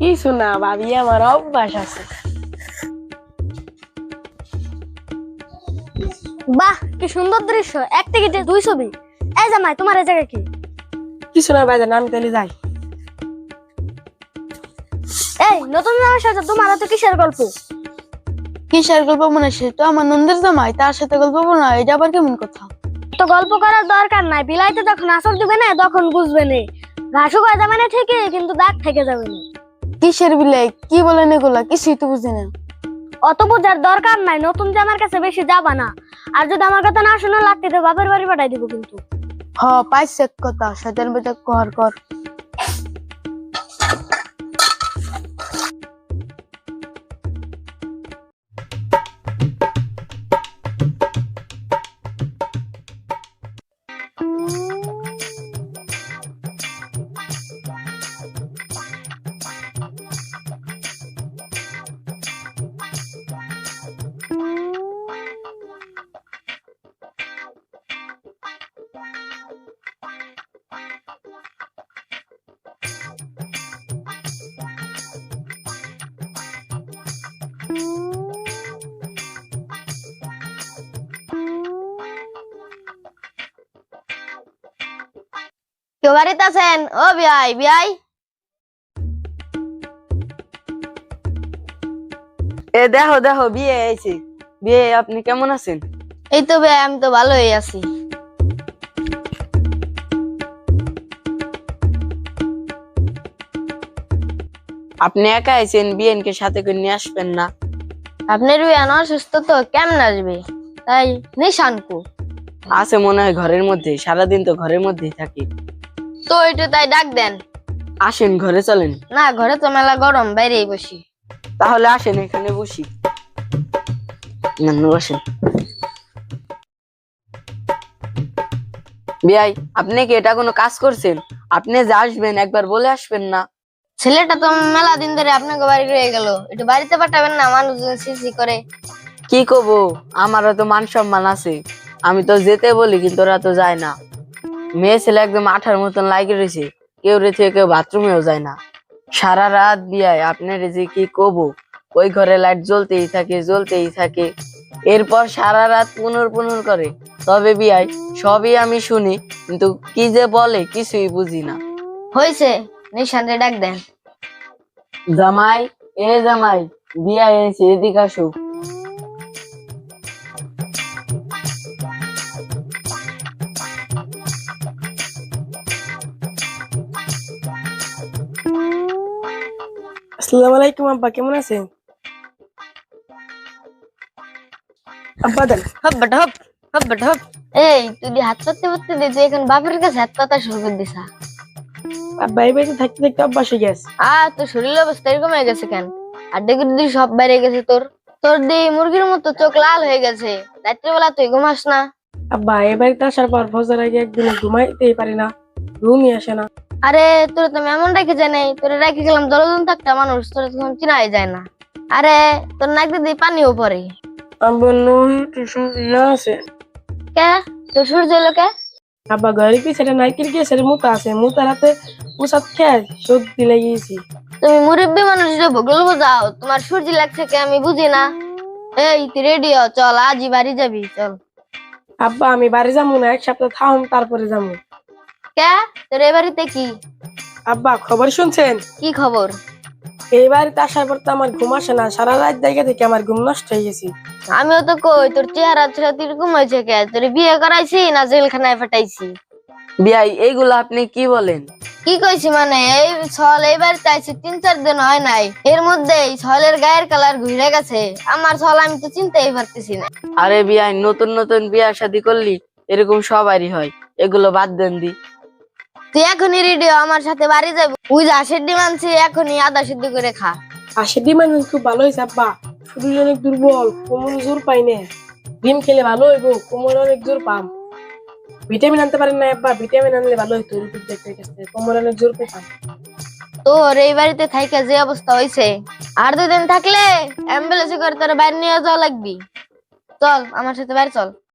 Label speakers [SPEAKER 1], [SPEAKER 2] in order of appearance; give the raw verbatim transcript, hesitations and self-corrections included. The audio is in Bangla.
[SPEAKER 1] কিছু না ভাবি, আমার অভ্যাস আছে।
[SPEAKER 2] বাহ, কি সুন্দর দৃশ্য! এক টিকিটে দুই ছবি। এই জামাই, তোমার এই জায়গা কি?
[SPEAKER 1] কিছু না ভাইজান, আমি তাহলে যাই।
[SPEAKER 2] এই নতুন জামাইয়ের সাথে তোমার তো কিসের গল্প?
[SPEAKER 3] কিসের গল্প মনে? সে তো আমার নন্দের জামাই, তার সাথে গল্প বলা এটা আবার কেমন কথা?
[SPEAKER 2] তো গল্প করার দরকার নাই, বিলাইতে যখন আসর দিবে না তখন বুঝবে না। ঘাসু কয় যাবে না ঠিকই, কিন্তু দাগ থেকে যাবে না।
[SPEAKER 3] কিসের বিলাই? কি বলেন এগুলা? কিছুই তো বুঝি না।
[SPEAKER 2] অত বোঝার দরকার নাই, নতুন জামার কাছে বেশি যাবা না। আর যদি আমার কথা না শুনে লাগতে তো বাপের বাড়ি পাঠাই দিব কিন্তু।
[SPEAKER 3] হ, পাইছে কথা, শয়তান বেটা কর কর।
[SPEAKER 2] কেউ বাড়িতে আছেন? ও বিয়াই বিয়াই।
[SPEAKER 1] এ দেখো দেখো, বিয়ে আইছে। বিয়ে, আপনি কেমন আছেন?
[SPEAKER 2] এই তো বিয়াই, আমি তো ভালোই আছি।
[SPEAKER 1] আপনি একা আইছেন, বিয়েনকে সাথে করে নিয়ে আসবেন না?
[SPEAKER 2] আপনার বিয়ান অসুস্থ তো, কেমন আসবে? তাই নিশানকু
[SPEAKER 1] আছে মনে হয় ঘরের মধ্যে, সারাদিন তো ঘরের মধ্যেই থাকি।
[SPEAKER 2] তো একটু তাই ডাক দেন।
[SPEAKER 1] আসেন, ঘরে চলেন।
[SPEAKER 2] না, ঘরে তো মেলা গরম, বাইরেই বসি।
[SPEAKER 1] তাহলে আসেন, এখানে বসি। না, না, বসেন। বিয়াই, আপনি কি এটা কোনো কাজ করছেন? আপনি যে আসবেন একবার বলে আসবেন না?
[SPEAKER 2] ছেলেটা তো মেলা দিন ধরে আপনাকে বাড়ি রয়ে গেল, একটু বাড়িতে পাঠাবেন না? মানুষজন সিসি করে।
[SPEAKER 1] কি কব, আমারও তো মান সম্মান আছে। আমি তো যেতে বলি, কিন্তু ওরা তো যায় না। মেয়ে ছেলে একদম আঠার মতন লাগে রয়েছে, কেউ রেছে কেউ বাথরুমেও যায় না। সারা রাত বিয়ায় আপনার যে কি কব, ওই ঘরে লাইট জ্বলতেই থাকে জ্বলতেই থাকে। এরপর সারা রাত পুনর পুনর করে। তবে বিয়াই, সবই আমি শুনি, কিন্তু কি যে বলে কিছুই বুঝি না।
[SPEAKER 2] হয়েছে, নিশানরে ডাক দেন।
[SPEAKER 1] জামাই, এ জামাই, বিয়া এনেছে, এদিকে আসো। আসসালামু আলাইকুম আব্বা, কেমন আছেন? আব্বা দেন।
[SPEAKER 2] হপ বেটা হপ, হপ বেটা হপ। এই তুই হাত পাততে পাততে দে, তুই এখন বাপের কাছে হাত পাতা শুরু করে দিছা।
[SPEAKER 1] আব্বা এই বাড়িতে থাকতে থাকতে অভ্যাস হয়ে গেছে।
[SPEAKER 2] আর তোর শরীরের অবস্থা এরকম হয়ে গেছে কেন? আর দেখি তুই সব বাইরে গেছে তোর। তোর দি মুরগির মতো চোখ লাল হয়ে গেছে। রাত্রিবেলা তুই ঘুমাস না?
[SPEAKER 1] আব্বা এই বাড়িতে আসার পর ফজর আগে একদিন ঘুমাইতেই পারি না, ঘুমই আসে না।
[SPEAKER 2] আরে তোর তো এমন রেখে যায় নাই, তোর রেখে গেলাম দশজন থাকতে মানুষ, তোর তখন চিনাই যায় না। আরে তোর নাক দিয়ে পানিও পড়ে।
[SPEAKER 1] আব্বা নহি টিউশন আছে।
[SPEAKER 2] কে তোর সূর্য এলো কে?
[SPEAKER 1] আব্বা ঘরের পিছনে নাইকেল গিয়ে সেটা মুতা আছে, মুতার হাতে উসাদ খেয়ে সর্দি লেগেছি।
[SPEAKER 2] তুমি মুরব্বী মানুষ যে ভূগোল বোঝাও, তোমার সূর্য লাগছে কে আমি বুঝি না। এই তুই রেডি হ, চল আজই বাড়ি যাবি, চল।
[SPEAKER 1] আব্বা আমি বাড়ি যাবো না, এক সপ্তাহ থাম তারপরে যাবো।
[SPEAKER 2] কে তোর এ বাড়িতে কি
[SPEAKER 1] আব্বা খবর শুনছেন?
[SPEAKER 2] কি খবর?
[SPEAKER 1] এই বাড়িতে আসার পর তো আমার ঘুম আসে না, সারা রাত জায়গা থেকে আমার ঘুম নষ্ট হয়ে গেছে।
[SPEAKER 2] আমিও তো কই, তোর চেহারা ছেড়ে এরকম হয়েছে কে? তোর বিয়ে করাইছি না জেলখানায় ফাটাইছি?
[SPEAKER 1] বিয়াই এইগুলো আপনি কি বলেন?
[SPEAKER 2] কি কইছি মানে, এই ছল এই বাড়িতে আইছি তিন চার দিন হয় নাই, এর মধ্যে ছলের গায়ের কালার ঘুরে গেছে। আমার ছল আমি তো চিনতেই পারতেছি না।
[SPEAKER 1] আরে বিয়াই, নতুন নতুন বিয়া শাদী করলি এরকম সবারই হয়, এগুলো বাদ দেন দি।
[SPEAKER 2] তুই এখনই রেডি হ, আমার সাথে বাড়ি যাবি। ওই যে আশের ডিম আনছি, এখনই আদা সিদ্ধ করে খা।
[SPEAKER 1] আসে ডিম আনছেন, খুব ভালো হয়েছে আব্বা। শরীর অনেক দুর্বল, কোমরে জোর পাই না। ডিম খেলে ভালো হইব, কোমরে অনেক জোর পাম। ভিটামিন আনতে পারেন না আব্বা? ভিটামিন আনলে ভালো হইতো, কোমরে অনেক জোর পেতাম।
[SPEAKER 2] তোর এই বাড়িতে থাইকা যে অবস্থা হয়েছে, আর দুদিন থাকলে অ্যাম্বুলেন্সে করে তোর বাইরে নিয়ে যাওয়া লাগবি। চল আমার সাথে বাইরে চল।